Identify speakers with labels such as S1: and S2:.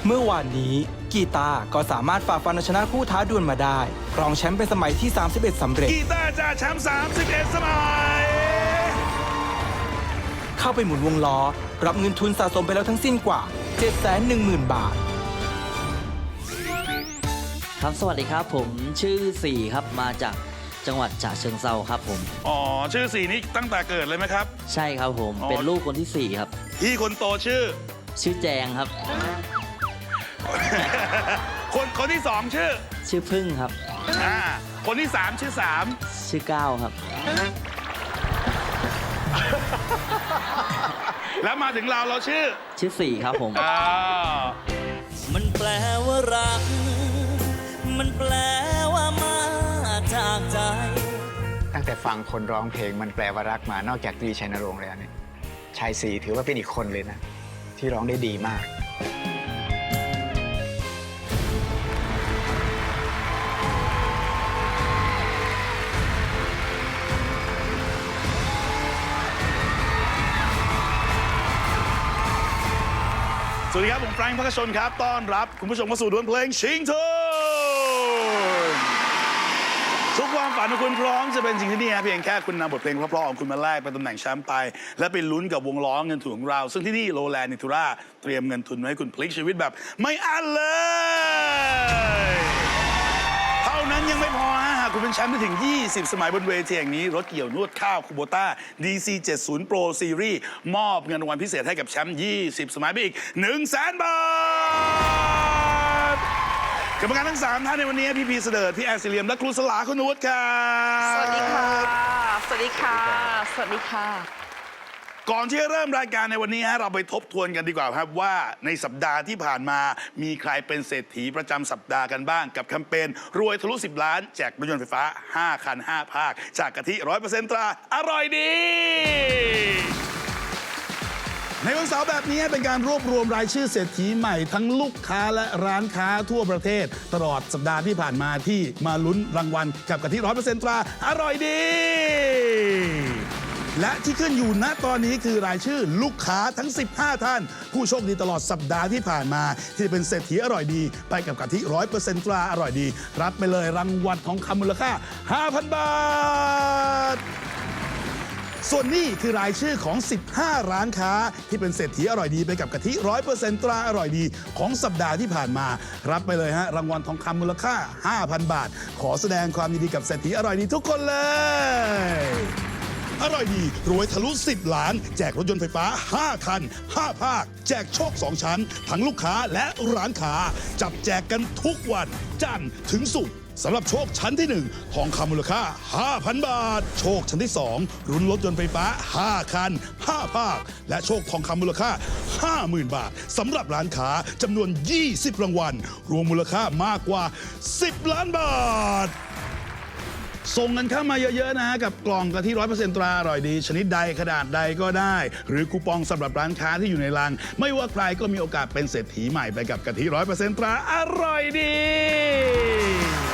S1: เมื่อวานนี้กีตาร์ก็สามารถฝ่าฟันเอาชนะผู้ท้าดวลมาได้ครองแชมป์เป็นสมัยที่ 31 สำเร็จ
S2: กีตาร์จ่าแชมป์31 สมัย
S1: เข้าไปหมุนวงล้อรับเงินทุนสะสมไปแล้วทั้งสิ้นกว่า 710,000 บาท
S3: ครับสวัสดีครับผมชื่อสี่ครับมาจากจังหวัดฉะเชิงเทราครับผม
S2: อ๋อชื่อสี่นี้ตั้งแต่เกิดเลยไหมครับ
S3: ใช่ครับผมเป็นลูกคนที่4ครับ
S2: พี่คนโตชื่อ
S3: แจงครับ
S2: คนที่2ชื่อ
S3: พึ่งครับ
S2: คนที่3ชื่อ
S3: ก้าวครับ
S2: แล้วมาถึงเราชื่อ
S3: 4ครับผม
S4: มันแปลว่ารักมันแปลว่ามาจากใจ
S5: ตั้งแต่ฟังคนร้องเพลงมันแปลว่ารักมานอกจากตรีชัยนรงค์แล้วเนี่ยชายศรีถือว่าเป็นอีกคนเลยนะที่ร้องได้ดีมาก
S2: สวัสดีครับผมแฟรงค์ พักชนครับต้อนรับคุณผู้ชมเข้าสู่ดวลเพลงชิงทุนทุกความฝันของคุณพร้อมจะเป็นจริงที่นี่เพียงแค่คุณนำบทเพลงเพราะๆของคุณมาแลกเป็นตำแหน่งแชมป์ไปและไปลุ้นกับวงล้อเงินทุนของเราซึ่งที่นี่โลแลนด์นิทูราเตรียมเงินทุนไว้ให้คุณพลิกชีวิตแบบไม่อั้นเลยเท่านั้นยังไม่พอหากคุณเป็นแชมป์ได้ถึง20 สมัยบนเวทีแห่งนี้รถเกี่ยวนวดข้าวคูโบต้า DC70 Pro Series มอบเงินรางวัลพิเศษให้กับแชมป์20 สมัยไปอีก 100,000 บาทกรรมการทั้ง3ท่านในวันนี้พี่พีเสดิร์ดพี่แอนซิเลียมและครูสลาคุณวุฒิครับ
S6: สวัสดีค่ะสวัสดีค่ะสวัสดีค่ะ
S2: ก่อนที่จะเริ่มรายการในวันนี้เราไปทบทวนกันดีกว่าครับว่าในสัปดาห์ที่ผ่านมามีใครเป็นเศรษฐีประจำสัปดาห์กันบ้างกับแคมเปญรวยทะลุ10 ล้านแจกรถยนต์ไฟฟ้า5 คัน 5 ภาคจากกะทิ 100% ตราอร่อยดีในวันเสาร์แบบนี้เป็นการรวบรวมรายชื่อเศรษฐีใหม่ทั้งลูกค้าและร้านค้าทั่วประเทศตลอดสัปดาห์ที่ผ่านมาที่มาลุ้นรางวัลกับกะทิ 100% ตราอร่อยดีและที่ขึ้นอยู่ณตอนนี้คือรายชื่อลูกค้าทั้ง15ท่านผู้โชคดีตลอดสัปดาห์ที่ผ่านมาที่เป็นเศรษฐีอร่อยดีไปกับกะทิ 100% ตราอร่อยดีรับไปเลยรางวัลทองคำมูลค่า 5,000 บาทส่วนนี้คือรายชื่อของ15ร้านค้าที่เป็นเศรษฐีอร่อยดีไปกับกะทิ 100% ตราอร่อยดีของสัปดาห์ที่ผ่านมารับไปเลยรางวัลทองคำมูลค่า 5,000 บาทขอแสดงความยินดีกับเศรษฐีอร่อยดีทุกคนเลยอร่อยดีรวยทะลุ10 ล้านแจกรถยนต์ไฟฟ้า5 คัน 5 ภาคแจกโชค2 ชั้นทั้งลูกค้าและร้านค้าจับแจกกันทุกวันจันทร์ถึงศุกร์สำหรับโชคชั้นที่1ทองคำมูลค่า 5,000 บาทโชคชั้นที่2รุ้นรถยนต์ไฟฟ้า5 คัน 5 ภาคและโชคทองคำมูลค่า 50,000 บาทสำหรับร้านค้าจำนวน20 รางวัลรวมมูลค่ามากกว่า10 ล้านบาทส่งกันเข้ามาเยอะๆกับกล่องกะทิ 100% ตราอร่อยดีชนิดใดขนาดใดก็ได้หรือคูปองสำหรับร้านค้าที่อยู่ในรังไม่ว่าใครก็มีโอกาสเป็นเศรษฐีใหม่ไปกับกะทิ 100% ตราอร่อยดี